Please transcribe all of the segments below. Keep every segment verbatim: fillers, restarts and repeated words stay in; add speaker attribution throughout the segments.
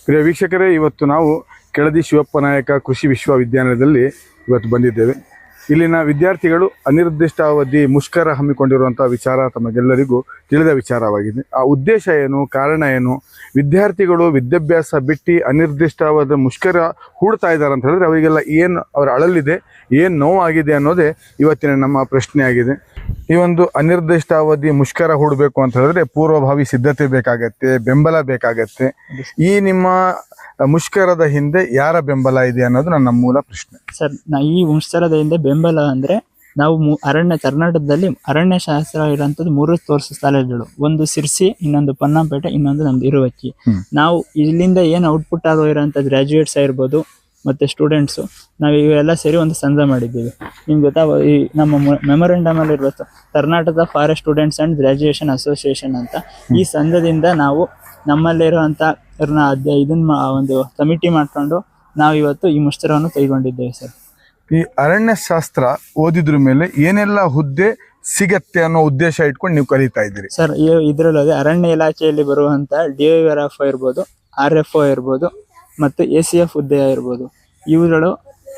Speaker 1: ಪ್ರಿಯ ವೀಕ್ಷಕರೇ, ಇವತ್ತು ನಾವು ಕೆಳದಿ ಶಿವಪ್ಪ ನಾಯಕ ಕೃಷಿ ವಿಶ್ವವಿದ್ಯಾಲಯದಲ್ಲಿ ಇವತ್ತು ಬಂದಿದ್ದೇವೆ. ಇಲ್ಲಿನ ವಿದ್ಯಾರ್ಥಿಗಳು ಅನಿರ್ದಿಷ್ಟಾವಧಿ ಮುಷ್ಕರ ಹಮ್ಮಿಕೊಂಡಿರುವಂಥ ವಿಚಾರ ತಮಗೆಲ್ಲರಿಗೂ ತಿಳಿದ ವಿಚಾರವಾಗಿದೆ. ಆ ಉದ್ದೇಶ ಏನು, ಕಾರಣ ಏನು, ವಿದ್ಯಾರ್ಥಿಗಳು ವಿದ್ಯಾಭ್ಯಾಸ ಬಿಟ್ಟು ಅನಿರ್ದಿಷ್ಟಾವಧಿ ಮುಷ್ಕರ ಹೂಡ್ತಾ ಇದ್ದಾರೆ ಅಂತ ಹೇಳಿದ್ರೆ ಅವರಿಗೆಲ್ಲ ಏನು ಅವರ ಅಳಲಿದೆ, ಏನು ನೋವಾಗಿದೆ ಅನ್ನೋದೇ ಇವತ್ತಿನ ನಮ್ಮ ಪ್ರಶ್ನೆ ಆಗಿದೆ. ಈ ಒಂದು ಅನಿರ್ದಿಷ್ಟಾವಧಿ ಮುಷ್ಕರ ಹೂಡಬೇಕು ಅಂತ ಹೇಳಿದ್ರೆ ಪೂರ್ವಭಾವಿ ಸಿದ್ಧತೆ ಬೇಕಾಗತ್ತೆ, ಬೆಂಬಲ ಬೇಕಾಗತ್ತೆ. ಈ ನಿಮ್ಮ ಮುಷ್ಕರದ ಹಿಂದೆ ಯಾರ ಬೆಂಬಲ ಇದೆ ಅನ್ನೋದು ನನ್ನ ಮೂಲ ಪ್ರಶ್ನೆ
Speaker 2: ಸರ್. ಈ ಮುಷ್ಕರದ ಹಿಂದೆ ಬೆಂಬಲ ಅಂದ್ರೆ ನಾವು ಅರಣ್ಯ ಕರ್ನಾಟಕದಲ್ಲಿ ಅರಣ್ಯ ಶಾಸ್ತ್ರ ಇರುವಂತದ್ದು ಮೂರು ತೋರ್ಸು ಸ್ಥಳಗಳು, ಒಂದು ಸಿರ್ಸಿ, ಇನ್ನೊಂದು ಪೊನ್ನಂಪೇಟೆ, ಇನ್ನೊಂದು ನಮ್ದು ಇರುವಕ್ಕಿ. ನಾವು ಇಲ್ಲಿಂದ ಏನು ಔಟ್ಪುಟ್ ಆಗೋ ಇರೋಂಥ ಗ್ರಾಜುಯೇಟ್ಸ್ ಆಗಿರ್ಬೋದು ಮತ್ತೆ ಸ್ಟೂಡೆಂಟ್ಸು, ನಾವು ಇವೆಲ್ಲ ಸೇರಿ ಒಂದು ಸಂಘ ಮಾಡಿದ್ದೀವಿ. ನಿಮ್ಗೆ ಗೊತ್ತಾ, ಈ ನಮ್ಮ ಮೆಮೊರಂಡಮ್ ಅಲ್ಲಿ ಇರ್ಬೋದು Karnataka forest students and graduation association ಅಂತ. ಈ ಸಂಘದಿಂದ ನಾವು ನಮ್ಮಲ್ಲಿರುವಂತ ಇದನ್ನ ಒಂದು ಕಮಿಟಿ ಮಾಡ್ಕೊಂಡು ನಾವು ಇವತ್ತು ಈ ಮುಷ್ಕರವನ್ನು ಕೈಗೊಂಡಿದ್ದೇವೆ ಸರ್.
Speaker 1: ಈ ಅರಣ್ಯ ಶಾಸ್ತ್ರ ಓದಿದ್ರ ಮೇಲೆ ಏನೆಲ್ಲ ಹುದ್ದೆ ಸಿಗತ್ತೆ ಅನ್ನೋ ಉದ್ದೇಶ ಇಟ್ಕೊಂಡು ನೀವು ಕಲಿತಾ ಇದ್ದೀರಿ
Speaker 2: ಸರ್. ಇದರಲ್ಲಿ ಅರಣ್ಯ ಇಲಾಖೆಯಲ್ಲಿ ಬರುವಂತ ಡಿ ಆರ್ ಎಫ್ ಇರ್ಬೋದು, ಆರ್ ಎಫ್ ಒ ಇರ್ಬೋದು, ಮತ್ತು ಎ ಸಿ ಎಫ್ ಹುದ್ದೆ ಇರ್ಬೋದು. ಇವುಗಳು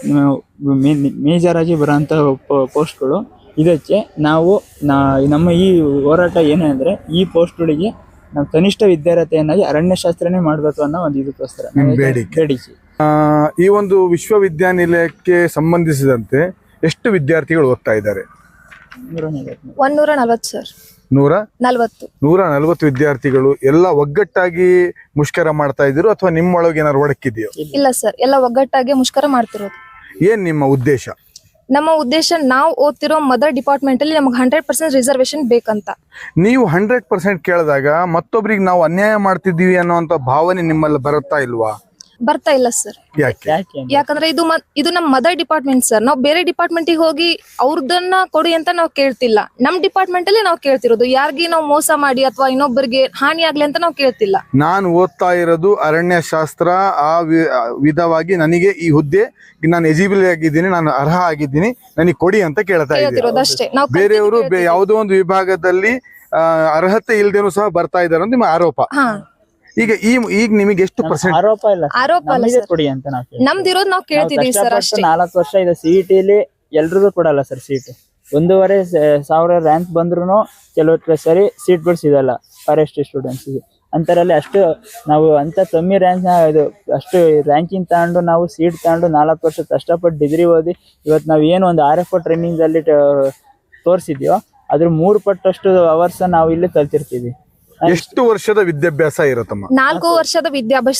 Speaker 2: ಮೇಜರ್ ಆಗಿ ಬರುವಂತ ಪೋಸ್ಟ್ಗಳು. ಇದಕ್ಕೆ ನಾವು ನಮ್ಮ ಈ ಹೋರಾಟ ಏನಂದ್ರೆ ಈ ಪೋಸ್ಟ್ಗಳಿಗೆ ನಾವು ಕನಿಷ್ಠ ವಿದ್ಯಾರ್ಥಿಯನ್ನಾಗಿ ಅರಣ್ಯಶಾಸ್ತ್ರನೇ ಮಾಡಬೇಕು ಅನ್ನೋ ಒಂದು ಇದಕ್ಕೋಸ್ಕರ ಬೇಡಿಕೆ.
Speaker 1: ಈ ಒಂದು ವಿಶ್ವವಿದ್ಯಾನಿಲಯಕ್ಕೆ ಸಂಬಂಧಿಸಿದಂತೆ ಎಷ್ಟು ವಿದ್ಯಾರ್ಥಿಗಳು ಓದ್ತಾ ಇದ್ದಾರೆ?
Speaker 3: ಒಂದೂರ ನಲವತ್ತು ಸರ್.
Speaker 1: ನೂರ
Speaker 3: ನಲವತ್ತು
Speaker 1: ನೂರ ನಲವತ್ತು ವಿದ್ಯಾರ್ಥಿಗಳು ಎಲ್ಲ ಒಗ್ಗಟ್ಟಾಗಿ ಮುಷ್ಕರ ಮಾಡ್ತಾ ಇದ್ದೀರೋ ಅಥವಾ ನಿಮ್ಮೊಳಗೆ ಏನಾದ್ರು ಒಡಕಿದೆಯೋ?
Speaker 3: ಇಲ್ಲ ಸರ್, ಎಲ್ಲ ಒಗ್ಗಟ್ಟಾಗಿ ಮುಷ್ಕರ ಮಾಡ್ತಿರೋದು.
Speaker 1: ಏನ್ ನಿಮ್ಮ ಉದ್ದೇಶ?
Speaker 3: ನಮ್ಮ ಉದ್ದೇಶ ನಾವು ಓದ್ತಿರೋ ಮದರ್ ಡಿಪಾರ್ಟ್ಮೆಂಟ್ ಅಲ್ಲಿ ನಮ್ಗೆ ಹಂಡ್ರೆಡ್ ಪರ್ಸೆಂಟ್ ರಿಸರ್ವೇಶನ್ ಬೇಕಂತ.
Speaker 1: ನೀವು ಹಂಡ್ರೆಡ್ ಪರ್ಸೆಂಟ್ ಕೇಳಿದಾಗ ಮತ್ತೊಬ್ರಿಗೆ ನಾವು ಅನ್ಯಾಯ ಮಾಡ್ತಿದ್ದೀವಿ ಅನ್ನೋಂಥ ಭಾವನೆ ನಿಮ್ಮಲ್ಲಿ ಬರುತ್ತಾ ಇಲ್ವಾ?
Speaker 3: ಬರ್ತಾ ಇಲ್ಲ ಸರ್.
Speaker 1: ಯಾಕೆ?
Speaker 3: ಯಾಕಂದ್ರೆ ಇದು ಇದು ನಮ್ಮ ಮದರ್ ಡಿಪಾರ್ಟ್ಮೆಂಟ್ ಸರ್. ನಾವು ಬೇರೆ ಡಿಪಾರ್ಟ್ಮೆಂಟ್ ಹೋಗಿ ಅವ್ರದನ್ನ ಕೊಡಿ ಅಂತ ನಾವು ಕೇಳ್ತಿಲ್ಲ. ನಮ್ ಡಿಪಾರ್ಟ್ಮೆಂಟ್ ಅಲ್ಲಿ ನಾವು ಕೇಳ್ತಿರೋದು ಯಾರಿಗೆ ನಾವು ಮೋಸ ಮಾಡಿ ಅಥವಾ ಇನ್ನೊಬ್ಬರಿಗೆ ಹಾನಿ ಆಗ್ಲಿ ಅಂತ ನಾವು ಕೇಳ್ತಿಲ್ಲ.
Speaker 1: ನಾನು ಓದ್ತಾ ಇರೋದು ಅರಣ್ಯ ಶಾಸ್ತ್ರ, ಆ ವಿಧವಾಗಿ ನನಗೆ ಈ ಹುದ್ದೆ ನಾನು ಎಲಿಜಿಬಲ್ ಆಗಿದ್ದೀನಿ, ನಾನು ಅರ್ಹ ಆಗಿದ್ದೀನಿ, ನನಗೆ ಕೊಡಿ ಅಂತ ಕೇಳ್ತಾ ಇದ್ದೀನಿ
Speaker 3: ಅಷ್ಟೇ.
Speaker 1: ಬೇರೆಯವರು ಯಾವುದೋ ಒಂದು ವಿಭಾಗದಲ್ಲಿ ಅರ್ಹತೆ ಇಲ್ದೇನೂ ಸಹ ಬರ್ತಾ ಇದ್ದಾರೆ ಅಂತ ನಿಮ್ಮ ಆರೋಪ. ಈಗ ಈ ಈಗ ನಿಮಗೆ ಎಷ್ಟು ಪರ್ಸೆಂಟ್?
Speaker 2: ಆರೋಪ ಇಲ್ಲ,
Speaker 3: ಆರೋಪ ಅಲ್ಲ
Speaker 2: ಕೊಡಿ ಅಂತ ನಾವು
Speaker 3: ನಮ್ದಿರೋದು ನಾವು ಕೇಳ್ತಿದೀವಿ ಸರ್ ಅಷ್ಟೇ.
Speaker 2: ನಾಲ್ಕು ವರ್ಷ ಇದೆ ಸಿಇಟಿಲಿ, ಎಲ್ರಿಗೂ ಕೊಡಲ್ಲ ಸರ್ ಸೀಟ್. ಒಂದೂವರೆ ಸಾವಿರ ರ್ಯಾಂಕ್ ಬಂದ್ರು ಕೆಲವು ಸರಿ ಸೀಟ್ಗಳು ಸಿಗಲ್ಲ ಫಾರೆಸ್ಟ್ ಸ್ಟೂಡೆಂಟ್ಸ್ಗೆ. ಅಂತರಲ್ಲಿ ಅಷ್ಟು ನಾವು ಅಂತ ಕಮ್ಮಿ ರ್ಯಾಂಕ್ ಇದು ಅಷ್ಟು ರ್ಯಾಂಕಿಂಗ್ ತಗೊಂಡು ನಾವು ಸೀಟ್ ತಗೊಂಡು ನಾಲ್ಕು ವರ್ಷ ಕಷ್ಟಪಟ್ಟು ಡಿಗ್ರಿ ಓದಿ ಇವತ್ತು ನಾವು ಏನು ಒಂದು ಆರ್ ಎಫ್ ಒ ಟ್ರೈನಿಂಗ್ ಅಲ್ಲಿ ತೋರಿಸಿದ್ಯೋ ಅದ್ರ ಮೂರು ಪಟ್ಟಷ್ಟು ಅವರ್ಸ್ ನಾವು ಇಲ್ಲಿ ಕಲ್ತಿರ್ತೀವಿ.
Speaker 1: ಎಷ್ಟು ವರ್ಷದ ವಿದ್ಯಾಭ್ಯಾಸ ಇರುತ್ತಮ್ಮ?
Speaker 3: ನಾಲ್ಕು ವರ್ಷದ ವಿದ್ಯಾಭ್ಯಾಸ